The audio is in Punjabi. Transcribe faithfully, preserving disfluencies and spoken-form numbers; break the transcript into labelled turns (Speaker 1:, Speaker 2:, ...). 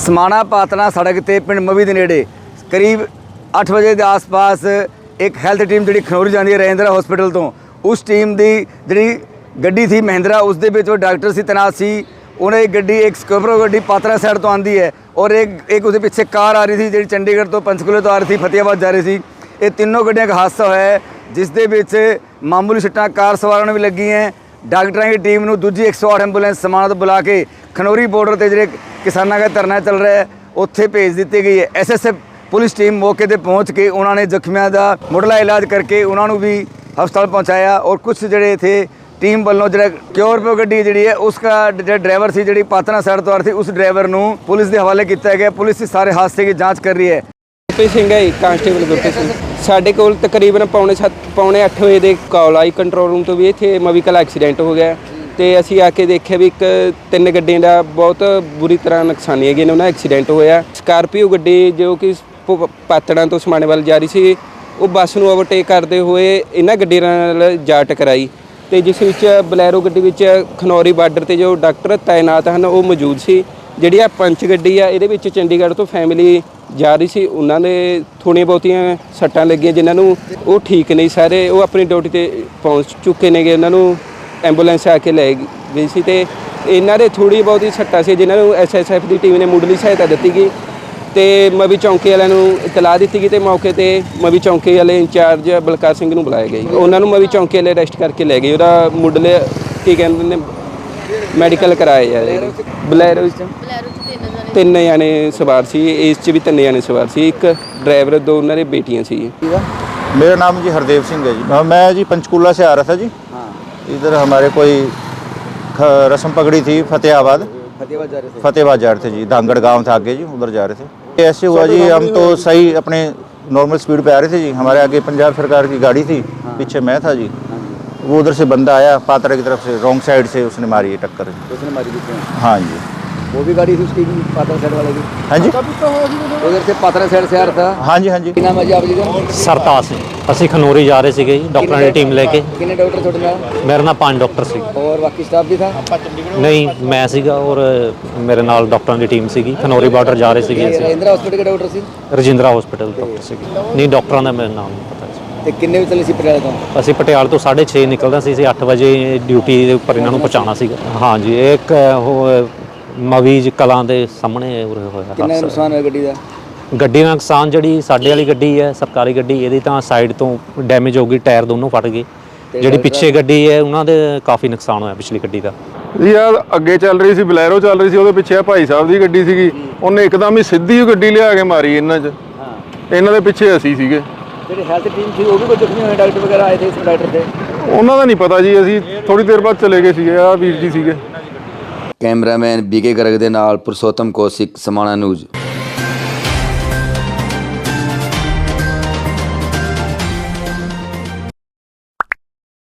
Speaker 1: समाणा पातना सड़क ते पिंड मवी के नेड़े करीब अठ बजे के आस पास एक हैल्थ टीम जी खनौरी जाती है रजिंद्रा हॉस्पिटल तो उस टीम की जी गड्डी थी महिंद्रा उस दे विच डॉक्टर से तैनात सी। उन्हें एक गड्डी एक स्कॉर्पियो गड्डी पात्रा साइड तो आती है और एक एक उसके पीछे कार आ रही थी जी चंडीगढ़ तो पंचकूले तो आ रही थी फतेहाबाद जा रही थी। ये तीनों गड्डियों का हादसा होया है जिस दे विच मामूली सट्टां कार सवारां भी लगी हैं। डॉक्टरों की टीम में दूजी एक सौ आठ एंबूलेंस समाणा तो बुला के खनौरी बॉर्डर पर जो किसानों का धरना चल रहा है उत्थे भेज दी गई है। S S F police team मौके पर पहुँच के उन्होंने जख्मियों का मुढ़ला इलाज करके उन्होंने भी हस्पताल पहुँचाया और कुछ जोड़े थे टीम वालों जो स्कॉर्पियो गड्डी जी है उसका जो ड्राइवर से जी पातना साइड तो आ रही थी उस ड्राइवर को पुलिस के हवाले किया गया। पुलिस इस सारे हादसे की जाँच कर रही है।
Speaker 2: ਗੁਰਪ੍ਰੀਤ ਸਿੰਘ ਹੈ ਕਾਂਸਟੇਬਲ ਗੁਰਪ੍ਰੀਤ ਸਿੰਘ। ਸਾਡੇ ਕੋਲ ਤਕਰੀਬਨ ਪੌਣੇ ਸੱਤ ਪੌਣੇ ਅੱਠ ਵਜੇ ਦੇ ਕਾਲ ਆਈ ਕੰਟਰੋਲ ਰੂਮ ਤੋਂ ਵੀ ਇੱਥੇ ਮਵੀਕਲ ਐਕਸੀਡੈਂਟ ਹੋ ਗਿਆ ਤੇ ਅਸੀਂ ਆ ਕੇ ਦੇਖਿਆ ਵੀ ਇੱਕ ਤਿੰਨ ਗੱਡੀਆਂ ਦਾ ਬਹੁਤ ਬੁਰੀ ਤਰ੍ਹਾਂ ਨੁਕਸਾਨੀ ਹੈਗੀ ਨੇ ਉਹਨਾਂ ਐਕਸੀਡੈਂਟ ਹੋਇਆ। ਸਕਾਰਪੀਓ ਗੱਡੀ ਜੋ ਕਿ ਪਾਤੜਾਂ ਤੋਂ ਸਮਾਣੇ ਵੱਲ ਜਾ ਰਹੀ ਸੀ ਉਹ ਬੱਸ ਨੂੰ ਓਵਰਟੇਕ ਕਰਦੇ ਹੋਏ ਇਹਨਾਂ ਗੱਡੀਆਂ ਨਾਲ ਜਾ ਟਕਰਾਈ ਤੇ ਜਿਸ ਵਿੱਚ ਬਲੈਰੋ ਗੱਡੀ ਵਿੱਚ ਖਨੌਰੀ ਬਾਰਡਰ ਤੇ ਜੋ ਡਾਕਟਰ ਤਾਇਨਾਤ ਹਨ ਉਹ ਮੌਜੂਦ ਸੀ। ਜਿਹੜੀ ਆ ਪੰਚ ਗੱਡੀ ਆ ਇਹਦੇ ਵਿੱਚ ਚੰਡੀਗੜ੍ਹ ਤੋਂ ਫੈਮਿਲੀ ਜਾ ਰਹੀ ਸੀ ਉਹਨਾਂ ਦੇ ਥੋੜ੍ਹੀਆਂ ਬਹੁਤੀਆਂ ਸੱਟਾਂ ਲੱਗੀਆਂ ਜਿਨ੍ਹਾਂ ਨੂੰ ਉਹ ਠੀਕ ਨਹੀਂ ਸਾਰੇ ਉਹ ਆਪਣੀ ਡਿਊਟੀ ਤੇ ਪਹੁੰਚ ਚੁੱਕੇ ਨੇਗੇ। ਉਹਨਾਂ ਨੂੰ ਐਂਬੂਲੈਂਸ ਆ ਕੇ ਲੈ ਗਈ ਸੀ ਤੇ ਇਹਨਾਂ ਦੇ ਥੋੜ੍ਹੀ ਬਹੁਤੀ ਸੱਟਾਂ ਸੀ ਜਿਨ੍ਹਾਂ ਨੂੰ ਐਸ ਐਸ ਐਫ ਦੀ ਟੀਮ ਨੇ ਮੁੱਢਲੀ ਸਹਾਇਤਾ ਦਿੱਤੀ ਗਈ ਤੇ ਮਵੀ ਚੌਂਕੀ ਵਾਲਿਆਂ ਨੂੰ ਇਤਲਾਹ ਦਿੱਤੀ ਗਈ ਤੇ ਮੌਕੇ ਤੇ ਮਵੀ ਚੌਂਕੀ ਵਾਲੇ ਇੰਚਾਰਜ ਬਲਕਾਰ ਸਿੰਘ ਨੂੰ ਬੁਲਾਇਆ ਗਿਆ। ਉਹਨਾਂ ਨੂੰ ਮਵੀ ਚੌਂਕੀ ਵਾਲੇ ਅਰੈਸਟ ਕਰਕੇ ਲੈ ਗਏ। ਉਹਦਾ ਮੁੱਢਲੇ ਕੀ ਕਹਿੰਦੇ ਨੇ ਮੈਡੀਕਲ ਕਰਾਇਆ ਯਾਰ। ਬਲੈਰੋ ਤਿੰਨ ਜਾਣੇ ਸਵਾਰ ਸੀ ਇਸ 'ਚ ਵੀ ਤਿੰਨ ਜਾਣੇ ਸਵਾਰ ਸੀ ਇੱਕ ड्राइवर दो उन्होंने बेटियां सी।
Speaker 3: मेरा नाम जी हरदेव सिंह है जी। मैं जी पंचकूला से आ रहा था जी। हाँ। इधर हमारे कोई रस्म पकड़ी थी फतेहाबाद फतेहाबाद जा रहे थे फतेहाबाद जा रहे थे जी। धांगड़ गांव था आगे जी उधर जा रहे थे। ऐसे हुआ जी हम तो सही अपने नॉर्मल स्पीड पे आ रहे थे जी। हमारे आगे पंजाब सरकार की गाड़ी थी। हाँ। पीछे मैं था जी। हाँ। वो उधर से बंदा आया पात्रा की तरफ से रॉन्ग साइड से उसने मारी है टक्कर। उसने मारी थी। हाँ जी
Speaker 1: वो भी गाड़ी थी उसकी भी पात्रा साइड वाले की।
Speaker 3: हाँ जी
Speaker 1: उधर से पात्रा साइड से आ रहा था।
Speaker 3: हाँ जी हाँ जी।
Speaker 1: ਕੀ ਨਾਮ ਹੈ ਜੀ ਆਪ ਜੀ ਦਾ?
Speaker 4: ਸਰਤਾਜ ਸਿੰਘ। ਅਸੀਂ ਖਨੌਰੀ ਜਾ ਰਹੇ ਸੀਗੇ ਜੀ ਡਾਕਟਰਾਂ ਦੀ ਟੀਮ ਲੈ ਕੇ।
Speaker 1: ਕਿੰਨੇ ਡਾਕਟਰ ਤੁਹਾਡੇ ਨਾਲ?
Speaker 4: ਮੇਰੇ ਨਾਲ ਪੰਜ ਡਾਕਟਰ ਸੀ।
Speaker 1: और बाकी स्टाफ भी था?
Speaker 4: ਨਹੀਂ ਮੈਂ ਸੀਗਾ ਔਰ ਮੇਰੇ ਨਾਲ ਡਾਕਟਰਾਂ ਦੀ ਟੀਮ ਸੀਗੀ। ਖਨੌਰੀ ਬਾਰਡਰ ਜਾ ਰਹੇ ਸੀਗੇ ਅਸੀਂ।
Speaker 1: ਰਜਿੰਦਰਾ ਹਸਪੀਟਲ ਦੇ ਡਾਕਟਰ ਸੀ?
Speaker 4: ਰਜਿੰਦਰਾ ਹਸਪੀਟਲ ਡਾਕਟਰ ਸੀਗੇ। ਨਹੀਂ ਡਾਕਟਰਾਂ ਦਾ ਮੈਨੂੰ ਨਾਮ ਨਹੀਂ ਪਤਾ ਸੀ।
Speaker 1: ਤੇ ਕਿੰਨੇ ਵਜੇ ਚੱਲੇ ਸੀ ਪਟਿਆਲੇ ਤੋਂ?
Speaker 4: ਅਸੀਂ ਪਟਿਆਲੇ ਤੋਂ ਸਾਢੇ ਛੇ ਨਿਕਲਦਾ ਸੀ। ਅਸੀਂ ਅੱਠ ਵਜੇ ਡਿਊਟੀ ਦੇ ਉੱਪਰ ਇਹਨਾਂ ਨੂੰ ਪਹੁੰਚਾਉਣਾ ਸੀਗਾ। ਹਾਂਜੀ ਇੱਕ ਉਹ ਮਵੀਜ ਕਲਾਂ ਦੇ ਸਾਹਮਣੇ ਉਰੇ ਹੋਇਆ।
Speaker 1: ਕਿੰਨਾ ਨੁਕਸਾਨ ਹੋਇਆ ਗੱਡੀ ਦਾ?
Speaker 4: ਗੱਡੀ ਦਾ ਨੁਕਸਾਨ ਜਿਹੜੀ ਸਾਡੇ ਵਾਲੀ ਗੱਡੀ ਹੈ ਸਰਕਾਰੀ ਗੱਡੀ ਇਹਦੀ ਤਾਂ ਸਾਈਡ ਤੋਂ ਡੈਮੇਜ ਹੋ ਗਈ ਟਾਇਰ ਦੋਨੋਂ ਫਟ ਗਏ। ਜਿਹੜੀ ਪਿੱਛੇ ਗੱਡੀ ਹੈ ਉਹਨਾਂ ਦੇ ਕਾਫੀ ਨੁਕਸਾਨ ਹੋਇਆ ਪਿਛਲੀ ਗੱਡੀ ਦਾ।
Speaker 5: ਯਾਰ ਅੱਗੇ ਚੱਲ ਰਹੀ ਸੀ ਬਲੈਰੋ ਚੱਲ ਰਹੀ ਸੀ ਉਹਦੇ ਪਿੱਛੇ ਭਾਈ ਸਾਹਿਬ ਦੀ ਗੱਡੀ ਸੀਗੀ ਉਹਨੇ ਇੱਕਦਮ ਹੀ ਸਿੱਧੀ ਗੱਡੀ ਲਿਆ ਕੇ ਮਾਰੀ ਇਹਨਾਂ 'ਚ। ਇਹਨਾਂ ਦੇ ਪਿੱਛੇ ਅਸੀਂ ਸੀਗੇ।
Speaker 1: ਜਿਹੜੀ ਹੈਲਥ ਟੀਮ ਸੀ ਉਹ ਵੀ ਕੋਈ ਜ਼ਖਮੀ ਹੋਏ ਡਾਕਟਰ ਵਗੈਰਾ ਆਏ ਥੇ ਇਸ ਡਾਕਟਰ ਦੇ?
Speaker 5: ਉਹਨਾਂ ਦਾ ਨਹੀਂ ਪਤਾ ਜੀ ਅਸੀਂ ਥੋੜੀ ਦੇਰ ਬਾਅਦ ਚਲੇ ਗਏ ਸੀਗੇ। ਆ ਵੀਰ ਜੀ ਸੀਗੇ।
Speaker 1: ਕੈਮਰਾਮੈਨ ਬੀਕੇ ਗਰਗ ਦੇ ਨਾਲ ਪੁਰਸ਼ੋਤਮ ਕੌਸ਼ਿਕ ਸਮਾਣਾ ਨਿਊਜ਼।